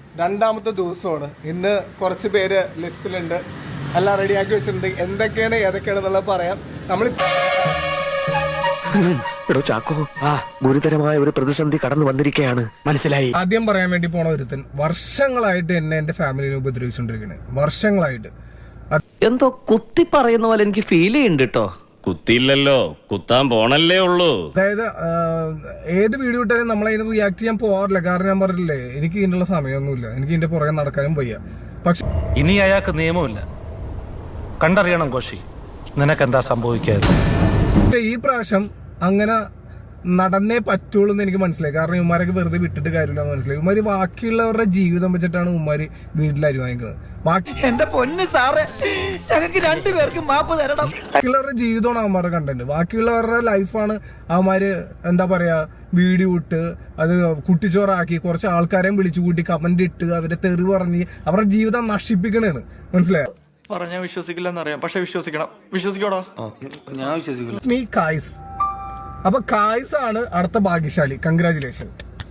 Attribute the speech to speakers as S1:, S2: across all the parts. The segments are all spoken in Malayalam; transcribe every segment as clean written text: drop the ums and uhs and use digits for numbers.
S1: രണ്ടാമത്തെ ദിവസമാണ്. ഇന്ന് കുറച്ച് പേര് ലിസ്റ്റിലുണ്ട്, എല്ലാം റെഡിയാക്കി വെച്ചിട്ടുണ്ട്. എന്തൊക്കെയാണ് ഏതൊക്കെയാണെന്നുള്ളത് പറയാം. നമ്മൾ
S2: ചാക്കോ, ഗുരുതരമായ ഒരു പ്രതിസന്ധി കടന്നു വന്നിരിക്കുകയാണ്. മനസ്സിലായി.
S1: ആദ്യം പറയാൻ വേണ്ടി പോണ ഒരുത്തൻ വർഷങ്ങളായിട്ട് എന്നെ എന്റെ ഫാമിലിനെ ഉപദ്രവിച്ചുകൊണ്ടിരിക്കുന്നത്. വർഷങ്ങളായിട്ട്
S3: എന്തോ കുത്തി പറയുന്ന പോലെ എനിക്ക് ഫീൽ ചെയ്യുന്നുണ്ട് കേട്ടോ.
S4: കുത്തിയില്ലല്ലോ, കുത്താൻ പോണല്ലേ ഉള്ളൂ.
S1: അതായത് ഏത് വീഡിയോ ഇട്ടാലും നമ്മളതിന് റിയാക്ട് ചെയ്യാൻ പോവാറില്ല. കാരണം ഞാൻ പറഞ്ഞില്ലേ, എനിക്ക് ഇതിനുള്ള സമയമൊന്നുമില്ല, എനിക്ക് ഇതിന്റെ പുറകെ നടക്കാനും വയ്യ. പക്ഷെ
S5: ഇനി അയാൾക്ക് നിയമമില്ല, കണ്ടറിയണം കോശി നിനക്കെന്താ സംഭവിക്കാതെ.
S1: ഈ പ്രാവശ്യം അങ്ങനെ നടന്നേ പറ്റുള്ളൂ എന്ന് എനിക്ക് മനസ്സിലായി. കാരണം ഇവന്മാരൊക്കെ വെറുതെ വിട്ടിട്ട് കാര്യമില്ല എന്ന് മനസ്സിലായി. ഇവന്മാര് ബാക്കിയുള്ളവരുടെ ജീവിതം വെച്ചിട്ടാണ് ഇവന്മാര് വീട്ടിൽ അരി വാങ്ങിക്കുന്നത്.
S3: എന്റെ പൊന്ന് സാറേ, ഞങ്ങൾക്ക് രണ്ടുപേർക്ക് മാപ്പ് തരണം.
S1: ബാക്കിയുള്ളവരുടെ ജീവിതമാണ് അവന്മാരുടെ കണ്ടന്റ്. ബാക്കിയുള്ളവരുടെ ലൈഫാണ് അവന്മാര് എന്താ പറയാ വീഡിയോ ഇട്ട് അത് കുട്ടിച്ചോറാക്കി കുറച്ച് ആൾക്കാരെയും വിളിച്ചു കൂട്ടി കമന്റ് ഇട്ട് അവരെ തെറി പറഞ്ഞ് അവരുടെ ജീവിതം നശിപ്പിക്കണേണ്. മനസ്സിലായോ?
S6: പറഞ്ഞാൽ വിശ്വസിക്കില്ലെന്നറിയാം, പക്ഷെ വിശ്വസിക്കണം. വിശ്വസിക്കോടോ? ഞാൻ വിശ്വസിക്കില്ല.
S1: നീ കായ്സ്. അപ്പൊ കായ്സ് ആണ് അടുത്ത ഭാഗ്യശാലി. കൺഗ്രാചുലേഷൻ.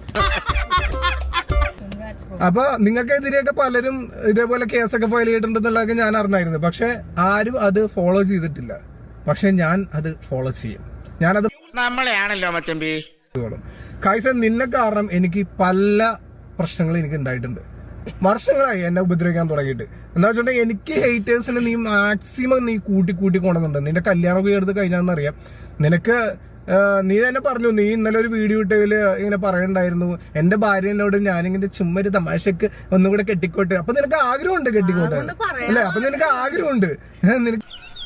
S1: അപ്പൊ നിങ്ങൾക്കെതിരെയൊക്കെ പലരും ഇതേപോലെ കേസൊക്കെ ഫയൽ ചെയ്തിട്ടുണ്ടെന്നുള്ളതൊക്കെ ഞാൻ അറിഞ്ഞായിരുന്നു. പക്ഷെ ആരും അത് ഫോളോ ചെയ്തിട്ടില്ല. പക്ഷെ ഞാൻ അത് ഫോളോ ചെയ്യും. ഞാനത്
S2: നമ്മളെയാണല്ലോ മച്ചമ്പി.
S1: കായ്സ്, നിന്നെ കാരണം എനിക്ക് പല പ്രശ്നങ്ങളും എനിക്ക് ഉണ്ടായിട്ടുണ്ട്. വർഷങ്ങളായി എന്നെ ഉപദ്രവിക്കാൻ തുടങ്ങിയിട്ട്. എന്താ വെച്ചിട്ടുണ്ടെങ്കിൽ എനിക്ക് ഹേറ്റേഴ്സിന് നീ മാക്സിമം നീ കൂട്ടി കൊണ്ടുവന്നുണ്ട്. നിന്റെ കല്യാണമൊക്കെ എടുത്ത് കഴിഞ്ഞാന്നറിയാം. നിനക്ക് നീ തന്നെ പറഞ്ഞു, നീ ഇന്നലെ ഒരു വീഡിയോ ഇട്ടതില് ഇങ്ങനെ പറയണ്ടായിരുന്നു എന്റെ ഭാര്യനോട് ഞാനിങ്ങനെ ചുമ്മാ തമാശക്ക് ഒന്നുകൂടെ കെട്ടിക്കോട്ടെ. അപ്പൊ നിനക്ക് ആഗ്രഹമുണ്ട് കെട്ടിക്കോട്ടെ അല്ലെ? അപ്പൊ നിനക്ക് ആഗ്രഹമുണ്ട്. നിനക്ക്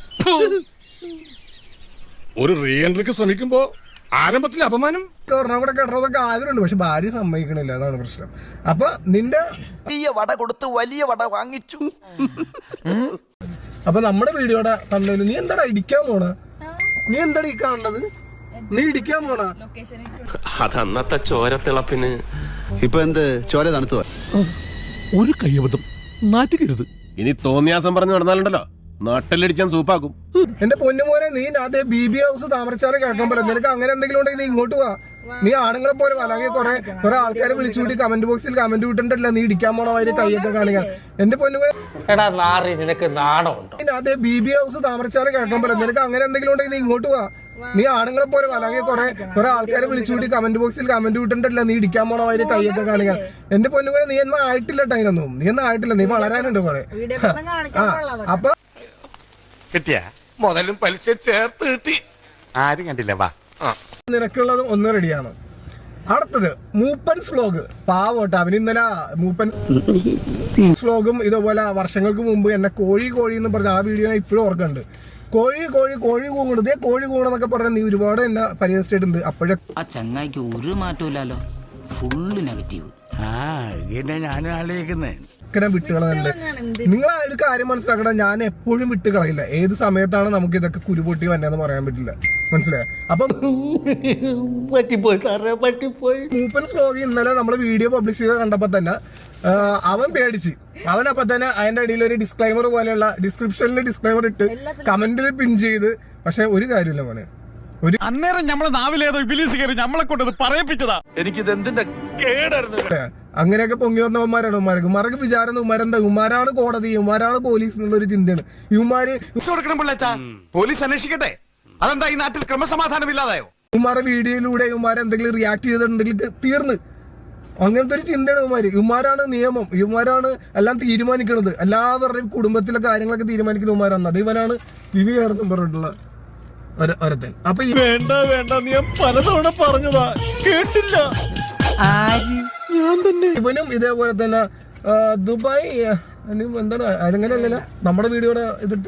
S7: ഒരു റീ എൻട്രിക്ക് ശ്രമിക്കുമ്പോ ആരംഭത്തിൽ അപമാനം
S1: ഒരെണ്ണം കൂടെ കെട്ടണതൊക്കെ ആഗ്രഹമുണ്ട്. പക്ഷെ ഭാര്യ സമ്മതിക്കണില്ല, അതാണ് പ്രശ്നം. അപ്പൊ നിന്റെ
S3: വലിയ വട കൊടുത്ത് വലിയ വട വാങ്ങിച്ചു.
S1: അപ്പൊ നമ്മുടെ വീഡിയോടെ കണ്ടു. നീ എന്താടാ ഇടിക്കാൻ പോണ? നീ എന്താടാ ഈ കാണുന്നത്? നീ ഇടിക്കാൻ പോണ?
S2: അതന്നത്തെ ചോരത്തിളപ്പിന്
S8: ഇപ്പൊ എന്ത് ചോര തണുത്തു?
S2: ഒരു കയ്യബദ്ധം നാറ്റുകരുത്. ഇനി തോന്നിയാസം പറഞ്ഞു നടന്നാലുണ്ടല്ലോ നാട്ടിലടിച്ചാൻ സൂപ്പാക്കും.
S1: എന്റെ പൊന്നുമോനെ, നീ അതേ BB ഹൗസ് താമരച്ചാറ് കേൾക്കാൻ പോലെ. നിനക്ക് അങ്ങനെ എന്തെങ്കിലും ഉണ്ടെങ്കിൽ നീ ഇങ്ങോട്ട് വാ. നീ ആണുങ്ങളെ പോലെ അല്ലെങ്കിൽ കുറെ ആൾക്കാരെ വിളിച്ചുകൂടി കമന്റ് ബോക്സിൽ കമന്റ് വിട്ടിട്ടല്ല നീ ഇടിക്കാൻ പോണ വരെ കൈയൊക്കെ കാണിക്കാൻ. എന്റെ പൊന്നുമോനെ,
S3: നിനക്ക് നാണമുണ്ടോ?
S1: അതേ BB ഹൗസ് താമരച്ചാറ് കേൾക്കാൻ പോലെ. നിനക്ക് അങ്ങനെ എന്തെങ്കിലും ഉണ്ടെങ്കിൽ നീ ഇങ്ങോട്ട് വാ. നീ ആണുങ്ങളെ പോലെ അല്ലെങ്കിൽ കുറെ ആൾക്കാരെ വിളിച്ചുകൂടി കമന്റ് ബോക്സിൽ കമന്റ് വിട്ടിട്ടല്ല നീ ഇടിക്കാൻ പോണ വരെ കൈയൊക്കെ കാണിക്കാൻ. എന്റെ പൊന്നുമോനെ, നീ എന്നാ ആയിട്ടില്ല ടൈനൊന്നും. നീ എന്നാ ആയിട്ടില്ല, നീ വളരാനുണ്ട് കുറെ. അപ്പൊ
S2: കിട്ടിയ മുതലും പലിശ ചേർത്ത് കിട്ടി. ആരും കണ്ടില്ല. വാ,
S1: നിനക്കുള്ളത് ഒന്ന് റെഡിയാണ്. അടുത്തത് മൂപ്പൻസ് വ്ലോഗ്. പാവോട്ടെ, അവന് ഇന്നലെ മൂപ്പൻസ് വ്ലോഗും ഇതുപോലെ വർഷങ്ങൾക്ക് മുമ്പ് എന്നെ കോഴി എന്ന് പറഞ്ഞ ആ വീഡിയോ ഞാൻ ഇപ്പോഴും ഓർക്കുന്നുണ്ട്. കോഴി കൂങ്ങുന്നത്, കോഴി കൂങ്ങണെന്നൊക്കെ പറഞ്ഞ നീ ഒരുപാട് എന്നെ പരിഹസിച്ചിട്ടുണ്ട്. അപ്പോഴേ
S3: ആ ചങ്ങായിക്ക് ഒരു മാറ്റമില്ലല്ലോ, ഫുള്ള് നെഗറ്റീവ്.
S8: ഞാനും ആലോചിക്കുന്നേ
S1: വിട്ടുകളയുന്നുണ്ട്. നിങ്ങൾ ആ ഒരു കാര്യം മനസ്സിലാക്കണം, ഞാൻ എപ്പോഴും വിട്ടുകളയില്ല. ഏത് സമയത്താണ് നമുക്ക് ഇതൊക്കെ കുരുപൊട്ടി വന്നതെന്ന് പറയാൻ പറ്റില്ല. മനസ്സിലായോ? അപ്പൊ മൂപ്പൻ വ്ലോഗ് ഇന്നലെ നമ്മള് വീഡിയോ പബ്ലിഷ് ചെയ്ത് കണ്ടപ്പോ തന്നെ അവൻ പേടിച്ച്. അവനപ്പൊ തന്നെ അതിന്റെ അടിയിൽ ഒരു ഡിസ്ക്ലൈമർ പോലെയുള്ള ഡിസ്ക്രിപ്ഷനിൽ ഡിസ്ക്ലൈമർ ഇട്ട് കമന്റിൽ പിൻ ചെയ്ത്. പക്ഷെ ഒരു കാര്യമില്ല മോനെ, ഒരു
S7: അന്നേരം നമ്മളെ നാവിലേതോ ഇബിലീസ് കയറി നമ്മളെ കൊണ്ടത് പറയിപ്പിച്ചതാ.
S6: എനിക്കിത് എന്തിന്റെ കേടായിരുന്നു.
S1: അങ്ങനെയൊക്കെ പൊങ്ങി വന്നവന്മാരാണ് ഉമ്മാരൊക്കെ. ഉമ്മാരൊക്കെ വിചാരം ഉമ്മാരെന്താ, ഉമ്മാരാണ് കോടതി, ഉമ്മാരാണ് പോലീസ് എന്നുള്ളൊരു ചിന്തയാണ്. ഇവന്മാര്
S7: പോലീസ് അന്വേഷിക്കട്ടെ. അതെന്താ ഈ നാട്ടിൽ ക്രമസമാധാനം ഇല്ലാതായോ?
S1: ഉമ്മാരുടെ വീഡിയോയിലൂടെ ഉമ്മാരെന്തെങ്കിലും റിയാക്ട് ചെയ്തിട്ടുണ്ടെങ്കിൽ തീർന്ന്. അങ്ങനത്തെ ഒരു ചിന്തയാണ് ഇവന്മാര്. ഇവന്മാരാണ് നിയമം, ഇവന്മാരാണ് എല്ലാം തീരുമാനിക്കുന്നത്. എല്ലാവരുടെയും കുടുംബത്തിലെ കാര്യങ്ങളൊക്കെ തീരുമാനിക്കുന്ന ഉമ്മാരാണ്. അത് ഇവനാണ് വിവിയാർന്നും പറഞ്ഞിട്ടുള്ള ഒരുത്തൻ. അപ്പൊ
S7: വേണ്ട നീ പലതവണ പറഞ്ഞതാ, കേട്ടില്ല.
S1: ഞാൻ തന്നെ. ഇവനും ഇതേപോലെ തന്നെ ദുബായ് എന്താണ് അങ്ങനെയല്ലല്ലോ നമ്മുടെ വീഡിയോടെ ഇതിട്ട്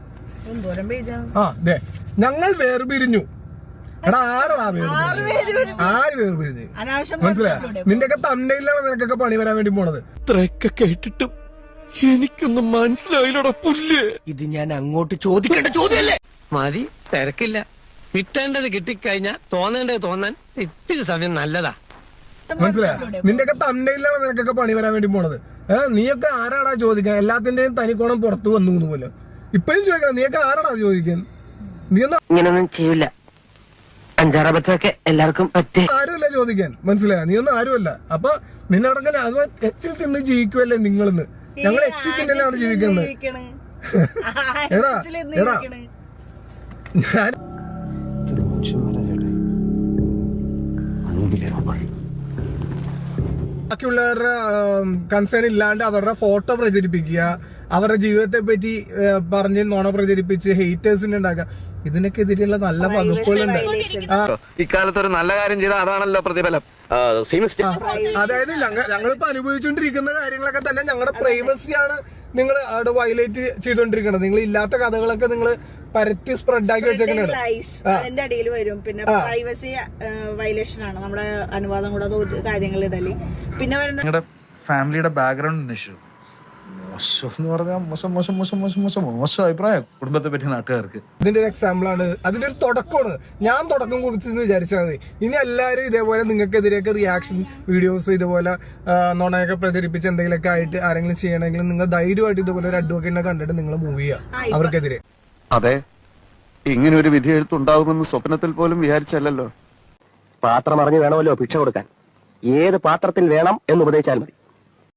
S1: ഞങ്ങൾ വേർപിരിഞ്ഞു. എടാ ആരാ ആര് വേർപിരിഞ്ഞ്? മനസ്സിലായോ? നിന്റെയൊക്കെ തന്നയിലാണ് നിനക്കൊക്കെ പണി വരാൻ വേണ്ടി പോണത്.
S7: ഇത്രയൊക്കെ കേട്ടിട്ടും എനിക്കൊന്നും മനസ്സിലായില്ലടാ പുല്ല്.
S3: ഇത് ഞാൻ അങ്ങോട്ട് ചോദിക്കേണ്ട ചോദ്യമല്ലേ? മതി, തിരക്കില്ല. കിട്ടേണ്ടത് കിട്ടിക്കഴിഞ്ഞാ തോന്നേണ്ടത് തോന്നാൻ ഇത്തിരി സമയം നല്ലതാ.
S1: മനസ്സിലായോ? നിന്റെയൊക്കെ തന്നയിലാണ് നിനക്കൊക്കെ പണി വരാൻ വേണ്ടി പോണത്. നീയൊക്കെ ആരാടാ ചോദിക്കാൻ? എല്ലാത്തിന്റെയും തനിക്കോണം പുറത്തു വന്നു പോലെ ഇപ്പഴും ചോദിക്കണം. നീയൊക്കെ ആരാടാ ചോദിക്കാൻ? നീ ഒന്നും
S3: ഇങ്ങനൊന്നും ചെയ്യില്ല. അഞ്ചാറബത്തൊക്കെ എല്ലാവർക്കും പറ്റേ.
S1: ആരുമല്ല ചോദിക്കാൻ, മനസ്സിലായ? നീ ഒന്നും ആരുമല്ല. അപ്പൊ നിന്നടങ്ങനെ അത് എച്ചിൽ തിന്ന് ജീവിക്കുമല്ലേ നിങ്ങളെന്ന്? ഞങ്ങൾ എച്ചിൽ തിന്നലാണ് ജീവിക്കുന്നത്. എടാ എടാ ഞാൻ ബാക്കിയുള്ളവരുടെ കൺസേൺ ഇല്ലാണ്ട് അവരുടെ ഫോട്ടോ പ്രചരിപ്പിക്കുക, അവരുടെ ജീവിതത്തെ പറ്റി പറഞ്ഞ് നുണ പ്രചരിപ്പിച്ച് ഹെയ്റ്റേഴ്സിനെ ഉണ്ടാക്കുക, ഇതിനൊക്കെതിരെയുള്ള നല്ല വകുപ്പുകളുണ്ട്.
S3: ഇക്കാലത്ത് ഒരു നല്ല കാര്യം ചെയ്താൽ അതാണല്ലോ പ്രതിഫലം.
S1: അതായത് ഞങ്ങളിപ്പോ അനുഭവിച്ചുകൊണ്ടിരിക്കുന്ന കാര്യങ്ങളൊക്കെ തന്നെ ഞങ്ങളുടെ പ്രൈവസിയാണ് നിങ്ങൾ അവിടെ വയലേറ്റ് ചെയ്തോണ്ടിരിക്കുന്നത്. നിങ്ങൾ ഇല്ലാത്ത കഥകളൊക്കെ നിങ്ങൾ പരത്തി സ്പ്രെഡ് ആക്കി വെച്ചേക്കുന്നത്
S9: അതിന്റെ അടിയിൽ വരും. പിന്നെ പ്രൈവസി വയലേഷൻ ആണ് നമ്മുടെ അനുവാദം കൂടാതെ കാര്യങ്ങൾ ഇടല്. പിന്നെ
S6: നിങ്ങളുടെ ഫാമിലിയുടെ ബാക്ക്ഗ്രൗണ്ട് അന്വേഷിച്ചു. മോശം എന്ന് പറഞ്ഞാൽ മോശം മോശം മോശം മോശം മോശം മോശം അഭിപ്രായം കുടുംബത്തെ പറ്റി നാട്ടുകാർക്ക്.
S1: ഇതിന്റെ ഒരു എക്സാമ്പിൾ ആണ്, അതിന്റെ ഒരു തുടക്കമാണ്. ഞാൻ തുടക്കം കുറിച്ചെന്ന് വിചാരിച്ചാൽ മതി. ഇനി എല്ലാവരും ഇതേപോലെ നിങ്ങൾക്കെതിരെയൊക്കെ റിയാക്ഷൻ വീഡിയോസ് ഇതുപോലെ നുണയൊക്കെ പ്രചരിപ്പിച്ച് എന്തെങ്കിലുമൊക്കെ ആയിട്ട് ആരെങ്കിലും ചെയ്യണമെങ്കിൽ നിങ്ങൾ ധൈര്യമായിട്ട് ഇതുപോലെ ഒരു അഡ്വക്കേറ്റിനെ കണ്ടിട്ട് നിങ്ങൾ മൂവ് ചെയ്യുക അവർക്കെതിരെ.
S7: അതെ, ഇങ്ങനെ ഒരു വിധി എഴുത്തുണ്ടാകുമെന്ന് സ്വപ്നത്തിൽ പോലും വിചാരിച്ചല്ലോ.
S3: പാത്രം അറിഞ്ഞു വേണമല്ലോ ഭിക്ഷ കൊടുക്കാൻ. ഏത് പാത്രത്തിൽ വേണം എന്ന് ഉപദേശിച്ചാൽ മതി.